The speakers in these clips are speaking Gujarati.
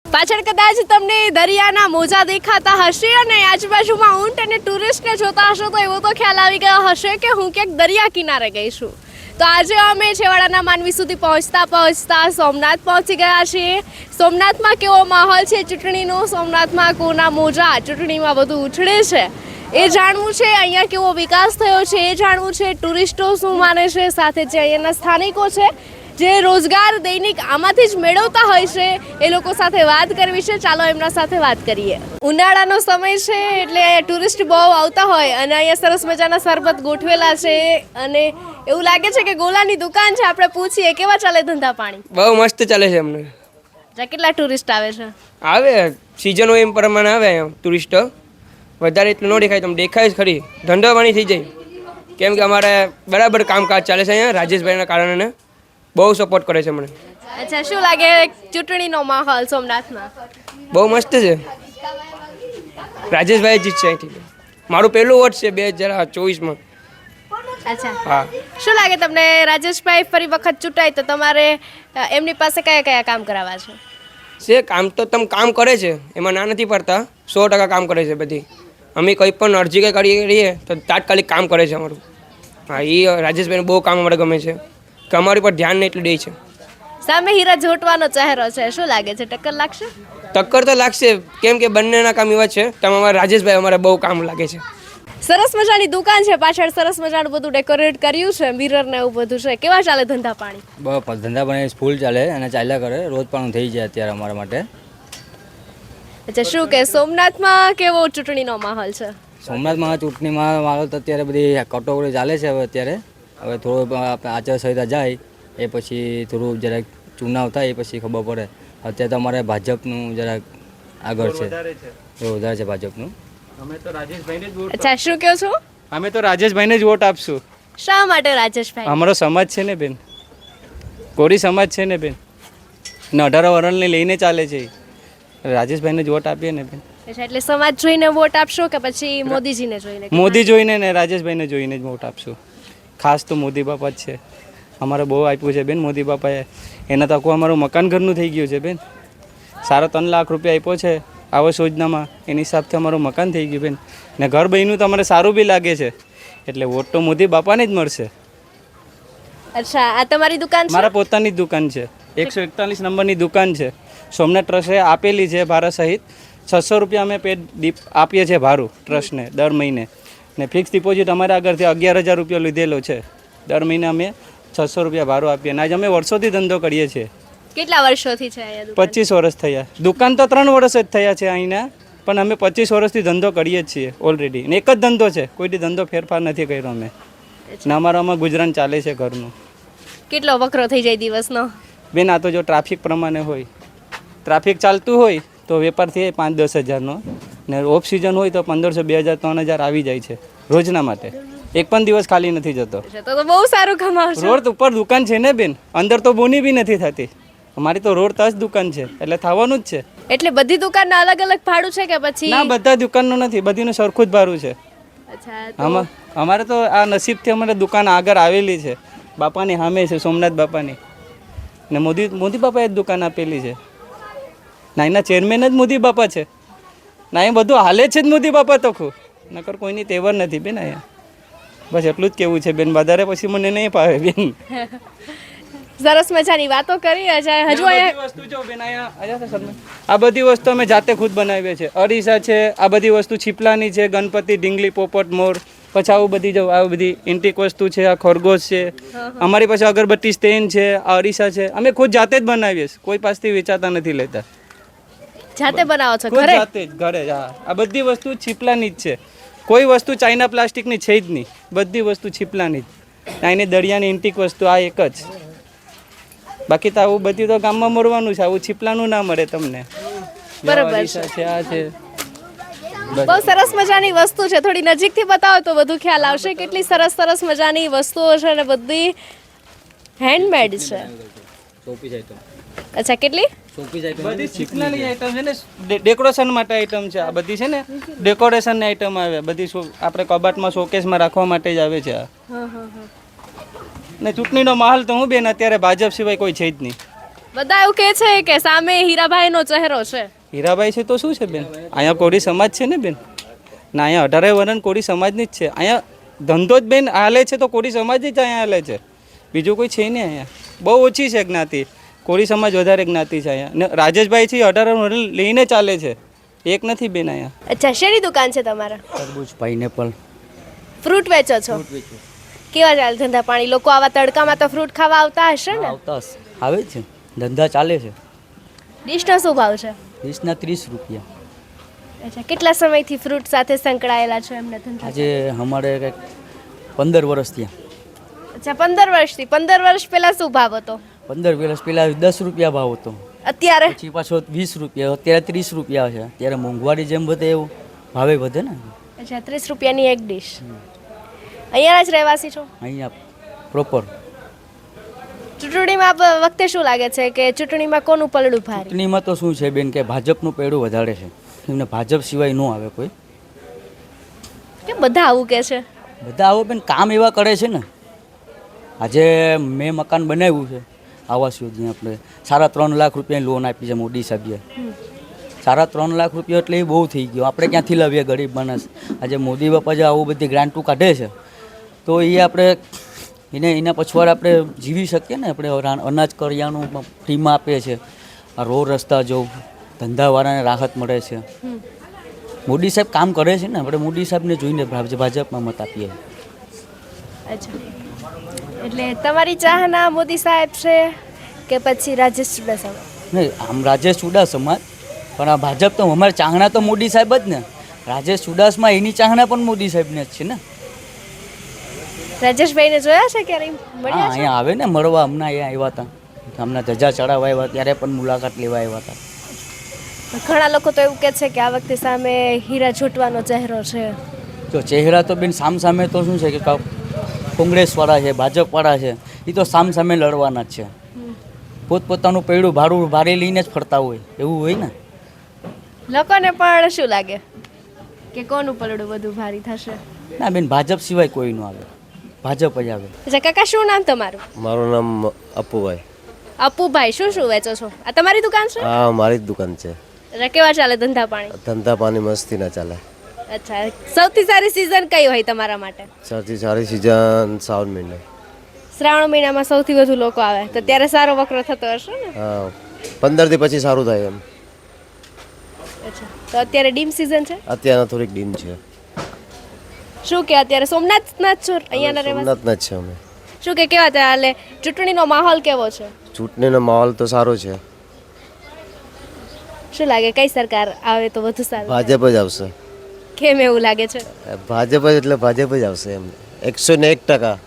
પાછળ કદાચ તમને દરિયાના મોજા દેખાતા હશે અને આજુબાજુમાં ઊંટ અને ટુરિસ્ટને જોતા હશો તો એવો તો ખ્યાલ આવી ગયો હશે કે હું ક્યાંક દરિયા કિનારે ગઈ છું. તો આજે અમે છેવાડાના માનવી સુધી પહોંચતા સોમનાથ પહોંચી ગયા છીએ. સોમનાથમાં કેવો માહોલ છે ચૂંટણીનો, સોમનાથમાં કોના મોજા ચૂંટણીમાં બધું ઉછળે છે એ જાણવું છે. અહીંયા કેવો વિકાસ થયો છે એ જાણવું છે. ટુરિસ્ટો શું માને છે, સાથે જે અહીંયાના સ્થાનિકો છે જે રોજગાર દૈનિક આમાંથી જ મેળવતા હોય છે એ લોકો સાથે વાત કરવી છે. ચાલો એમના સાથે વાત કરીએ. ઉનાળાનો સમય છે એટલે ટુરિસ્ટ બહુ આવતા હોય અને અહીંયા સરસ મજાના શરબત ગોઠવેલા છે અને એવું લાગે છે કે ગોલાની દુકાન છે. આપણે પૂછીએ કેવા ચાલે ધંધા પાણી? બહુ મસ્ત ચાલે છે અમને. કેટલા ટુરિસ્ટ આવે છે? આવે સિઝન હોય એમ પ્રમાણે આવે અહીંયા ટુરિસ્ટો. વધારે એટલું ન દેખાય, તમે દેખાય જ ખરી, ધંધો પાણી થઈ જાય. કેમ કે અમારે બરાબર કામકાજ ચાલે છે અહીંયા. રાજેશભાઈના કારણે બહુ સપોર્ટ કરે છે મને. અચ્છા, શું લાગે ચૂંટણીનો માહોલ સોમનાથમાં? બહુ મસ્ત છે. રાજેશભાઈ જીતશે અહીંથી. મારું પહેલું વોટ છે 2024માં. અચ્છા, હા. શું લાગે તમને રાજેશભાઈ ફરી વખત ચૂંટાય તો તમારે એમની પાસે કયા કયા કામ કરાવવા છે? કામ તો તમે કામ કરે છે, એમાં ના નથી પડતા. 100% કામ કરે છે બધી. અમે કંઈ પણ અરજી કંઈ કરીએ તો તાત્કાલિક કામ કરે છે અમારું. હા, એ રાજેશભાઈને બહુ કામ અમારે ગમે છે કે અમારી પર ધ્યાન નહીં એટલું દે છે. સામે હીરા જોટવાનો ચહેરો છે, શું લાગે છે ટક્કર લાગશે? ટક્કર તો લાગશે, કેમ કે બંનેના કામ એવા છે. તમે અમારા રાજેશભાઈ અમારે બહુ કામ લાગે છે. સરસ મજાની દુકાન છે, પાછળ સરસ મજાનું બધું ડેકોરેટ કર્યું છે, મિરર ને એવું બધું છે. કેવા ચાલે ધંધા પાણી? બસ ધંધા પાણી ફૂલ ચાલે અને ચાલ્યા કરે. રોજ પણ થઈ જાય અત્યારે અમારા માટે. અચ્છા, શું કે સોમનાથમાં કેવો ચૂંટણીનો માહોલ છે? સોમનાથમાં ચૂંટણીમાં માહોલ તો અત્યારે બધી કટોકટી ચાલે છે. હવે થોડું આચારસંહિતા જાય એ પછી થોડું જરાક ચુનાવ થાય એ પછી ખબર પડે. અત્યારે તો અમારે ભાજપનું જરાક આગળ છે, એ વધારે છે ભાજપનું. અમે તો રાજેશભાઈને જ વોટ. અચ્છા, શું કહો છો? અમે તો રાજેશભાઈને જ વોટ આપશું. શા માટે રાજેશભાઈ? અમારો સમાજ છે ને બેન, કોરી સમાજ છે ને બેન, ને 18 વર્ષને લઈને ચાલે છે. રાજેશભાઈને જ વોટ આપીએ ને બેન. અચ્છા, એટલે સમાજ જોઈને વોટ આપશો કે પછી મોદીજીને જોઈને? મોદી જોઈને ને રાજેશભાઈને જોઈને જ વોટ આપશું. ખાસ તો મોદી બાપા જ છે. અમારે બહુ આપ્યું છે બેન મોદી બાપાએ. એના તકો અમારું મકાન ઘરનું થઈ ગયું છે બેન. 3.5 લાખ રૂપિયા આપ્યો છે આવાસ યોજનામાં, એની હિસાબથી અમારું મકાન થઈ ગયું બેન. ને ઘર બન્યું તો અમારે સારું બી લાગે છે. એટલે વોટ તો મોદી બાપાને જ મળશે. અચ્છા, આ તમારી દુકાન છે? મારા પોતાની જ દુકાન છે. 141 નંબરની દુકાન છે. સોમનાથ ટ્રસ્ટે આપેલી છે ભાડા સહિત. 600 રૂપિયા અમે આપીએ છીએ ભાડું ટ્રસ્ટને દર મહિને. ને ફિક્સ ડિપોઝિટ અમારે આગળથી 11,000 રૂપિયા લીધેલો છે. દર મહિને અમે 600 રૂપિયા ભાડું આપીએ. અને આજે અમે વર્ષોથી ધંધો કરીએ છીએ. કેટલા વર્ષોથી છે અહીંયા દુકાન? 25 વર્ષ થયા. દુકાન તો 3 વર્ષ જ થયા છે અહીંના, પણ અમે 25 વર્ષથી ધંધો કરીએ જ છીએ ઓલરેડી. ને એક જ ધંધો છે, કોઈ ધંધો ફેરફાર નથી કર્યો અમે. ને અમારામાં ગુજરાન ચાલે છે ઘરનું. કેટલો વકરો થઈ જાય દિવસનો? બેન, આ તો જો ટ્રાફિક પ્રમાણે હોય, ટ્રાફિક ચાલતું હોય તો વેપાર થઈ જાય 5-10 હજારનો. ને ઓફ સિઝન હોય તો 1500, 2000, 3000 આવી જાય છે રોજના માટે. એક પણ દિવસ ખાલી નથી જતો. તો બહુ સારું કમાવશો. રોડ ઉપર દુકાન છે ને બેન, અંદર તો બોની બી નથી થતી. અમારી તો રોડ ટચ દુકાન છે એટલે થવાનું જ છે. એટલે બધી દુકાનના અલગ અલગ ભાડું છે કે પછી? ના, બધા દુકાનનું નથી, બધીનું સરખું જ ભાડું છે. અચ્છા, અમારે તો આ નસીબથી અમારે દુકાન આગળ આવેલી છે, બાપાની સામે છે, સોમનાથ બાપાની. ને મોદી બાપાએ જ દુકાન આપેલી છે. ના, એના ચેરમેન જ મોદી બાપા છે. ના, એ બધું હાલે છે જ મોદી બાપા તો ખુદ. નકર કોઈની તેવર નથી બેન અહીંયા. બસ એટલું જ કેવું છે બેન, વધારે પછી મને નહીં પાવે બેન. સરસ મજાની વાતો કરી. હજુ વસ્તુ જો બેન અહીંયા આ બધી વસ્તુ અમે જાતે ખુદ બનાવીએ છીએ. અરીસા છે, આ બધી વસ્તુ છીપલાની છે, ગણપતિ, ડીંગલી, પોપટ, મોર. પછી આવું બધી જો આ બધી ઇન્ટિક વસ્તુ છે, આ ખરગોશ છે, અમારી પાસે અગરબત્તી સ્ટેન્ડ છે, આ અરીસા છે. અમે ખુદ જાતે જ બનાવીએ છીએ, કોઈ પાસેથી વેચાતા નથી લેતા. જાતે બનાવો છો ખુદ ઘરે? જાતે જ ઘરે. હા, આ બધી વસ્તુ છીપલાની જ છે. કોઈ વસ્તુ ચાઇના પ્લાસ્ટિકની છે જ નહીં, બધી વસ્તુ છીપલાની જ. અહીંની દરિયાની ઇન્ટિક વસ્તુ આ એક જ. બાકી તો આવું બધી તો ગામમાં મળવાનું છે, આવું છીપલાનું ના મળે તમને. બરાબર છે. આ છે બહુ સરસ મજાની વસ્તુ છે. થોડી નજીકથી બતાવો તો બધું ખ્યાલ આવશે. કેટલી સરસ સરસ મજાની વસ્તુઓ છે અને બધી હેન્ડમેડ છે. અચ્છા, કેટલી? બધી છીપલાની આઈટમ છે ને, ડેકોરેશન માટે આઈટમ છે. આ બધી છે ને ડેકોરેશનની આઈટમ આવે બધી. આપણે કબાટમાં શોકેસમાં રાખવા માટે જ આવે છે આ. ને ચૂંટણીનો માહોલ તો હું બેન અત્યારે ભાજપ સિવાય કોઈ છે જ નહીં. બધા એવું કહે છે કે સામે હીરાભાઈનો ચહેરો છે. હીરાભાઈ છે તો શું છે બેન, અહીંયા કોળી સમાજ છે ને બેન, ને અહીંયા 18 વર્ષ કોળી સમાજની જ છે. અહીંયા ધંધો જ બેન હાલે છે તો કોળી સમાજ જ અહીંયા હાલે છે, બીજું કોઈ છે નહીં. અહીંયા બહુ ઓછી છે જ્ઞાતિ, કોળી સમાજ વધારે જ્ઞાતિ છે અહીંયા. ને રાજેશભાઈ છે 18 વર્ષ લઈને ચાલે છે, એક નથી બેન અહીંયા. અચ્છા, શેની દુકાન છે તમારા? તરબૂચ, પાઇનેપલ. ફ્રૂટ વેચો છો? કેવા ચાલે ધંધા પાણી? લોકો આવા તડકામાં તો ફ્રૂટ ખાવા આવતા હશે ને? આવતા આવે છે, ધંધા ચાલે છે. ડીશનો શું ભાવ છે? ડીશના 30 રૂપિયા. અચ્છા, કેટલા સમયથી ફ્રૂટ સાથે સંકળાયેલા છો એમને ધંધા? આજે અમારે કંઈક 15 વર્ષ થયા. અચ્છા, 15 વર્ષથી. 15 વર્ષ પહેલા શું ભાવ હતો? 15 વર્ષ પહેલાં 10 રૂપિયા ભાવ હતો, અત્યારે? પછી પાછો 20 રૂપિયા, અત્યારે 30 રૂપિયા છે. ત્યારે મોંઘવારી જેમ વધે એવું ભાવે વધે ને. અચ્છા, 30 રૂપિયાની એક ડીશ. અહીંયા જ રહેવાસી છો? અહીંયા પ્રોપર. ચૂંટણીમાં વખતે શું લાગે છે કે ચૂંટણીમાં કોનું પલડું ભારે? ચૂંટણીમાં તો શું છે બેન કે ભાજપનું પેડું વધારે છે, એમને ભાજપ સિવાય ન આવે કોઈ. કે બધા આવું કે છે? બધા આવો બેન કામ એવા કરે છે ને. આજે મેં મકાન બનાવ્યું છે આવાસ યોજના, આપણે 3.5 લાખ રૂપિયાની લોન આપી છે મોદી સાહેબે. 3.5 લાખ રૂપિયા એટલે એ બહુ થઈ ગયો. આપણે ક્યાંથી લાવીએ ગરીબ માણસ? આજે મોદી બાપા જે આવું બધી ગ્રાન્ટો કાઢે છે તો એ આપણે એના પછવાડ આપણે જીવી શકીએ ને. આપણે અનાજ કરિયાણું ફ્રીમાં આપે છે, આ રોડ રસ્તા જો ધંધાવાળાને રાહત મળે છે. મોદી સાહેબ કામ કરે છે ને, આપણે મોદી સાહેબને જોઈને ભાજપમાં મત આપીએ. અચ્છા, એટલે તમારી ચાહના મોદી સાહેબ છે કે પછી રાજેશ ચુડાસમા? નહીં, આમ રાજેશ ચુડાસમા, પણ આ ભાજપ તો અમારે ચાહના તો મોદી સાહેબ જ ને. રાજેશ ચુડાસમા એની ચાહના પણ મોદી સાહેબને જ છે ને. રાજેશભાઈને જોયા છે ક્યારે? હા, મળ્યા છે? અહીંયા આવે ને મળવા. હમણાં અહીંયા આવ્યા હતા, હમણાં ધજા ચડાવવા આવ્યા ત્યારે પણ મુલાકાત લેવા આવ્યા હતા. ઘણા લોકો તો એવું કહે છે કે આ વખતે સામે હીરા જોટવાનો ચહેરો છે. જો ચહેરા તો બેન સામે તો શું છે કે કોંગ્રેસવાળા છે, ભાજપવાળા છે, એ તો સામે લડવાના જ છે. પોતપોતાનું પૈડું ભારે લઈને જ ફરતા હોય એવું હોય ને. લોકોને પણ શું લાગે કે કોનું પલડું વધુ ભારી થશે? ના બેન, ભાજપ સિવાય કોઈ ન આવે, ભાજપ જ આવે. અચ્છા કાકા, શું નામ તમારું? મારું નામ અપુભાઈ. અપુભાઈ, શું વેચો છો? આ તમારી દુકાન છે? હા, મારી જ દુકાન છે. એટલે કેવા ચાલે ધંધા પાણી? ધંધા પાણી મસ્તી ના ચાલે. અચ્છા, સૌથી સારી સિઝન કઈ હોય તમારા માટે? સૌથી સારી સિઝન શ્રાવણ મહિનો. શ્રાવણ મહિનામાં સૌથી વધુ લોકો આવે તો ત્યારે સારો વકરો થતો હશે ને? હા, 15 થી પછી સારું થાય એમ. અચ્છા, તો અત્યારે ડીમ સિઝન છે? અત્યારના થોડીક ડીમ છે. શું કે અત્યારે સોમનાથના જ છો? અહીંયાના રહેવાસી? સોમનાથના જ છે અમે. શું કે કેવા ચાલે ચૂંટણીનો માહોલ કેવો છે? ચૂંટણીનો માહોલ તો સારો છે. શું લાગે કઈ સરકાર આવે તો વધુ સારું? ભાજપ જ આવશે. કેમ એવું લાગે છે? ભાજપ જ એટલે ભાજપ જ આવશે એમ, 101%.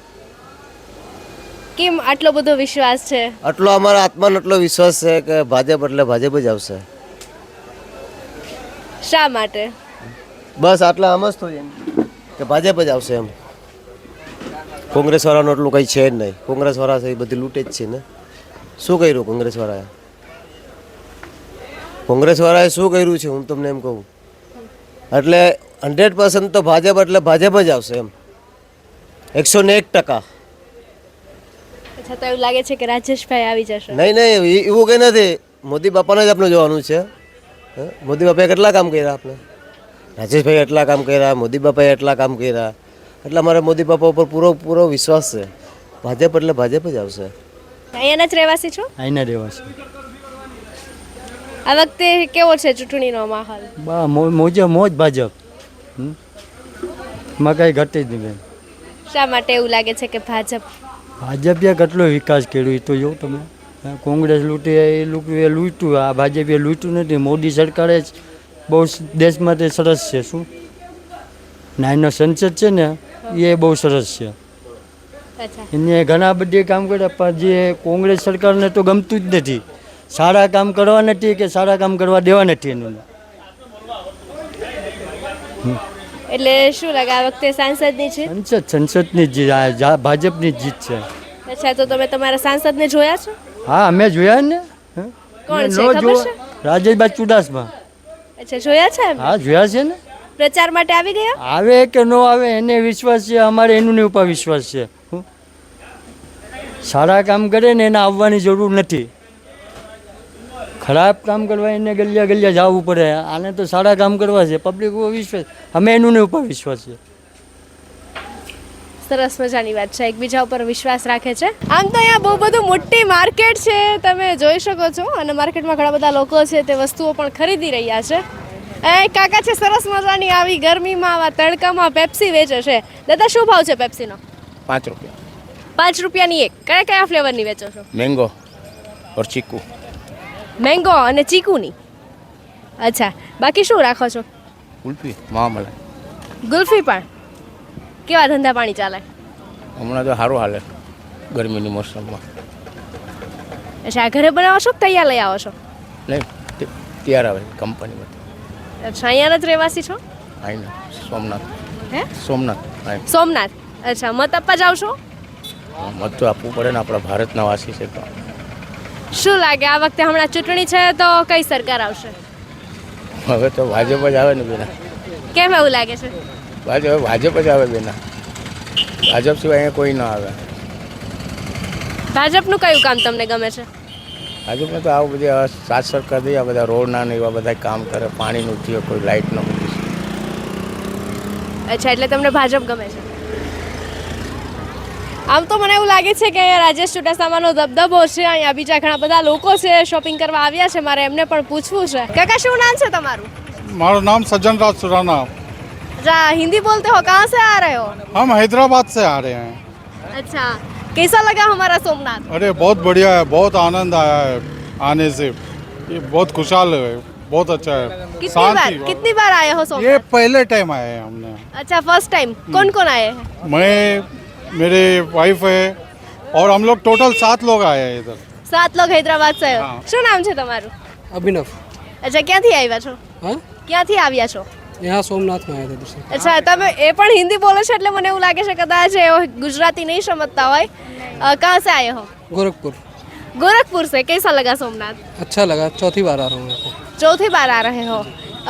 કેમ આટલો બધો વિશ્વાસ છે? આટલો અમારા આત્માનો એટલો વિશ્વાસ છે કે ભાજપ એટલે ભાજપ જ આવશે. શા માટે? બસ આટલા આમ જ thôi એમ કે ભાજપ જ આવશે એમ. કોંગ્રેસવાળાનું એટલું કંઈ છે જ નહીં. કોંગ્રેસવાળા છે એ બધી લૂંટે જ છે ને. શું કર્યું કોંગ્રેસવાળાએ? કોંગ્રેસવાળાએ શું કર્યું છે હું તમને એમ કહું. એટલે 100% તો ભાજપ એટલે ભાજપ જ આવશે એમ, 101%. અચ્છા, તો એવું લાગે છે કે રાજેશભાઈ આવી જશે? નહીં એવું કંઈ નથી. મોદી બાપાને જ આપણે જોવાનું છે. મોદી બાપાએ કેટલા કામ કર્યા આપણે? રાજેશભાઈ એટલા કામ કર્યા, મોદી બાપાએ એટલા કામ કર્યા. એટલે અમારે મોદી બાપા ઉપર પૂરો વિશ્વાસ છે. ભાજપ એટલે ભાજપ જ આવશે. અહીંયાના જ રહેવાસી છો? અહીંના રહેવાસી. આ વખતે કેવો છે ચૂંટણીનો માહોલ? મોજ ભાજપ. માં કાંઈ ઘટે જ નહીં બેન. શા માટે એવું લાગે છે કે ભાજપ? ભાજપે કેટલો વિકાસ કર્યો એ તો જો તમે. કોંગ્રેસ લૂંટી એ લૂંટ્યું, આ ભાજપે લૂંટ્યું નથી. મોદી સરકારે જ બહુ દેશ માટે સરસ છે. શું નાનો સંસદ છે ને એ બહુ સરસ છે. અચ્છા, એને ઘણા બધી કામ કર્યા, પણ જે કોંગ્રેસ સરકારને તો ગમતું જ નથી. સારા કામ કરવા નથી કે સારા કામ કરવા દેવા નથી એનું. એટલે શું લાગે આ વખતે સાંસદની છે? સંસદની જીત, ભાજપની જીત છે. અચ્છા, તો તમે તમારા સાંસદને જોયા છો? હા, અમે જોયા ને. કોણ છે ખબર છે? રાજેશભાઈ ચુડાસમા. અચ્છા, જોયા છે? હા, જોયા છે ને. પ્રચાર માટે આવી ગયા? આવે કે ન આવે એને વિશ્વાસ છે, અમારે એનું ઉપર વિશ્વાસ છે. સારા કામ કરે ને એને આવવાની જરૂર નથી. ખરાબ કામ કરવા એને ગલિયા ગલિયા જવું પડે, આને તો સારા કામ કરવા છે. પબ્લિક ઉપર વિશ્વાસ, અમે એનું ઉપર વિશ્વાસ છે. સરસ મજાની વાત છે, એકબીજા ઉપર વિશ્વાસ રાખે છે. આમ તો અહીંયા બહુ બધું મોટી માર્કેટ છે, તમે જોઈ શકો છો, અને માર્કેટમાં ઘણા બધા લોકો છે તે વસ્તુઓ પણ ખરીદી રહ્યા છે. એક કાકા છે સરસ મજાની, આવી ગરમીમાં આવા તડકામાં પેપ્સી વેચે છે. દાદા શું ભાવ છે પેપ્સીનો? 5 रुपया 5 રૂપિયાની એક. કયા કયા ફ્લેવરની વેચો છો? मैंगो और चीकू. મેંગો અને ચીકુની. અચ્છા, બાકી શું રાખો છો? कुल्फी महामलाई. ગુલ્ફી પણ. કેવા ધંધા પાણી ચાલે? હમણાં તો સારું હાલે ગરમીની મોસમમાં. અચ્છા, ઘરે બનાવો છો કે તૈયાર લઈ આવો છો? નહીં તૈયાર આવે કંપનીમાં. અચ્છા, અહીંયાના જ રહેવાસી છો? આવીને સોમનાથ. હે? સોમનાથ આવીને સોમનાથ. અચ્છા, મત આપવા જાવ છો? મત તો આપવું પડે ને, આપણા ભારતના વાસી છે તો. શું લાગે આ વખતે હમણાં ચૂંટણી છે તો કઈ સરકાર આવશે? હવે તો ભાજપ જ આવે ને બેના. કેમ એવું લાગે છે? ભાજપ જ આવે બેના. ભાજપ સિવાય અહીંયા કોઈ ના આવે. ભાજપનું કયું કામ તમને ગમે છે? ભાજપને તો આવું બધી સાત સરકાર દઈ, આ બધા રોડના ને એવા બધા કામ કરે, પાણીનું થયો, કોઈ લાઇટ ન મૂકી. અચ્છા, એટલે તમને ભાજપ ગમે છે. આમ તો મને એવું લાગે છે કે અહીંયા રાજેશ ચુડાસમાનો દબદબો છે, અહીંયા બીજા ઘણા બધા લોકો છે શોપિંગ કરવા આવ્યા છે, મારે એમને પણ પૂછવું છે. કાકા શું નામ છે તમારું? हमारा नाम सज्जन राज सुराना. अच्छा, हिंदी बोलते हो? कहाँ से आ रहे हो? हम हैदराबाद से आ रहे हैं. अच्छा, कैसा लगा हमारा सोमनाथ? अरे बहुत बढ़िया है, बहुत आनंद आया है आने से. ये बहुत खुशहाल है, बहुत अच्छा है. कितनी बार आए हो ये सोमनाथ? पहले टाइम आए हैं हमने. अच्छा, फर्स्ट टाइम. कौन कौन आए हैं? मैं, मेरे वाइफ है और हम लोग टोटल 7 लोग आए हैं इधर. 7 लोग हैदराबाद से. हाँ. શું નામ છે તમારું? अभिनव. અચ્છા, ક્યાંથી આવ્યા છો? हाँ, ક્યાંથી આવ્યા છો? यहाँ सोमनाथ में आया था दूसरे. અચ્છા, તમે એ પણ હિન્દી બોલો છો એટલે મને એવું લાગે છે કદાચ એ ગુજરાતી નહીં સમજતા હોય. कहाँ से आए हो? गोरखपुर. गोरखपुर से. कैसा लगा सोमनाथ? अच्छा लगा, चौथी बार आ रहा हूँ यहाँ पे. चौथी बार आ रहे हो.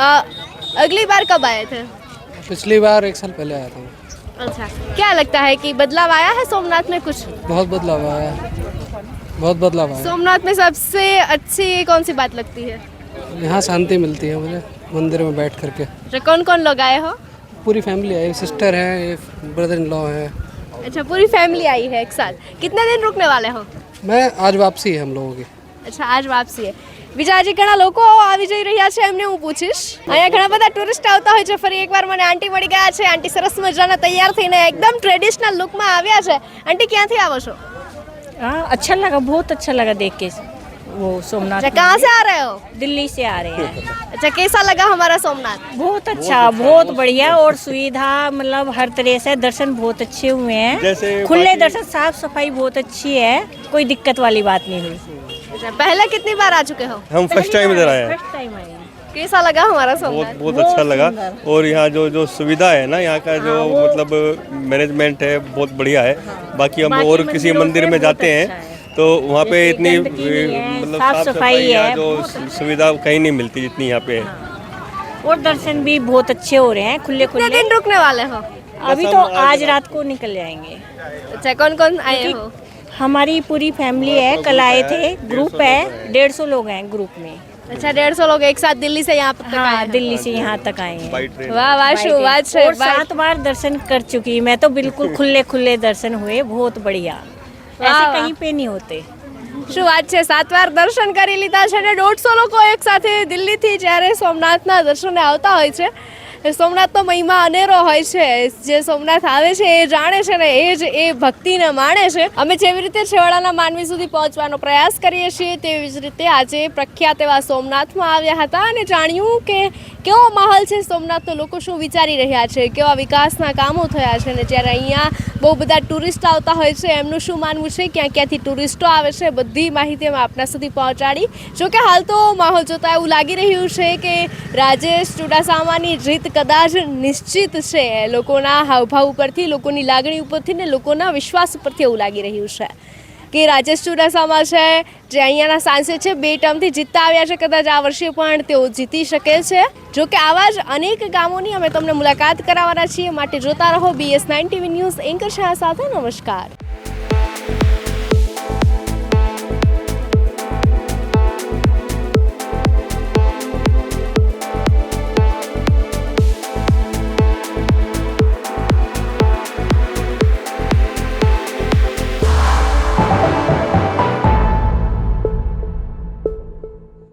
अगली बार कब आए थे? पिछली बार 1 साल पहले आया था मैं. अच्छा, क्या लगता है कि बदलाव आया है सोमनाथ में कुछ? बहुत बदलाव आया है, बहुत बदलाव आया सोमनाथ में सबसे अच्छी कौन सी बात लगती है? है. यहाँ शांति मिलती है मुझे मंदिर में बैठ करके. अच्छा, कौन कौन लोग आए हो? पूरी फैमिली है, सिस्टर है, ब्रदर इन लॉ है. अच्छा, पूरी फैमिली आई है एक साथ. कितने दिन रुकने वाले हो? मैं आज वापसी है हम लोगों की. અચ્છા, આજ વાપસી છે. બીજા હજી ઘણા લોકો આવી જઈ રહ્યા છે, એમને હું પૂછીશ. અહીંયા ઘણા બધા ટુરિસ્ટ આવતા હોય છે. ફરી એકવાર મને આંટી મળી ગયા છે. આંટી સરસ મજાના તૈયાર થઈને એકદમ ટ્રેડિશનલ લુકમાં આવ્યા છે. આંટી ક્યાંથી આવો છો? हाँ, अच्छा लगा, बहुत अच्छा लगा देख के वो सोमनाथ. अच्छा, कहाँ से आ रहे हो? दिल्ली से आ रहे हैं. अच्छा, कैसा लगा हमारा सोमनाथ? बहुत अच्छा, बहुत बढ़िया, और सुविधा मतलब हर तरह से दर्शन बहुत अच्छे हुए हैं. खुले दर्शन, साफ सफाई बहुत अच्छी है, कोई दिक्कत वाली बात नहीं हुई. अच्छा, पहले कितनी बार आ चुके हो? हम फर्स्ट टाइम इधर आए हैं. फर्स्ट टाइम आए हैं. कैसा लगा हमारा सोमनाथ? बहुत अच्छा लगा. और यहाँ जो सुविधा है ना, यहाँ का जो मतलब मैनेजमेंट है बहुत बढ़िया है. बाकी हम और किसी मंदिर में जाते हैं तो वहाँ पे इतनी मतलब साफ सफाई है, जो सुविधा कहीं नहीं मिलती जितनी यहाँ पे है. और दर्शन भी बहुत अच्छे हो रहे हैं, खुले कितने खुले. दिन रुकने वाले हो? अभी तो आज रात को निकल जाएंगे. अच्छा, कौन कौन आए हो? हमारी पूरी फैमिली है, कल आए थे. ग्रुप है, 150 लोग हैं ग्रुप में. अच्छा, 150 लोग एक साथ दिल्ली से यहाँ तक आए हाँ, हैं. दिल्ली से यहाँ तक आए हैं. By train. वाह वाह, શું વાત છે. और 7 बार दर्शन कर चुकी मैं तो. बिल्कुल खुले खुले दर्शन हुए, बहुत बढ़िया. वाह, ऐसे वाह. कहीं पे नहीं होते. શું વાત છે. 7 વાર દર્શન કરી લીધા છે અને 150 લોકો એક સાથે દિલ્હીથી જ્યારે સોમનાથના દર્શને આવતા હોય છે. સોમનાથનો મહિમા અનેરો હોય છે. જે સોમનાથ આવે છે એ જાણે છે ને એ જ એ ભક્તિને માણે છે. અમે જેવી રીતે છેવાડાના માનવી સુધી પહોંચવાનો પ્રયાસ કરીએ છીએ તેવી જ રીતે આજે પ્રખ્યાત એવા સોમનાથમાં આવ્યા હતા અને જાણ્યું કે કેવો માહોલ છે સોમનાથનો, લોકો શું વિચારી રહ્યા છે, કેવા વિકાસના કામો થયા છે. અને જ્યારે અહીંયા બહુ બધા ટુરિસ્ટ આવતા હોય છે એમનું શું માનવું છે, ક્યાં ક્યાંથી ટુરિસ્ટો આવે છે, બધી માહિતી અમે આપના સુધી પહોંચાડી. જોકે હાલ તો માહોલ જોતા એવું લાગી રહ્યું છે કે રાજેશ ચુડાસમાની જીત કદાચ નિશ્ચિત છે. લોકોના હાવભાવ ઉપરથી, લોકોની લાગણી ઉપરથી ને લોકોના વિશ્વાસ ઉપરથી એવું લાગી રહ્યું છે કે રાજેશ ચુડાસમા છે જે અહીંયાના સાંસદ છે, 2 ટર્મથી જીતતા આવ્યા છે. કદાચ આ વર્ષે પણ તેઓ જીતી શકે છે. જોકે આવા જ અનેક ગામોની અમે તમને મુલાકાત કરાવવાના છીએ. માટે જોતા રહો BS9 TV news. Anchor Shah સાથે નમસ્કાર.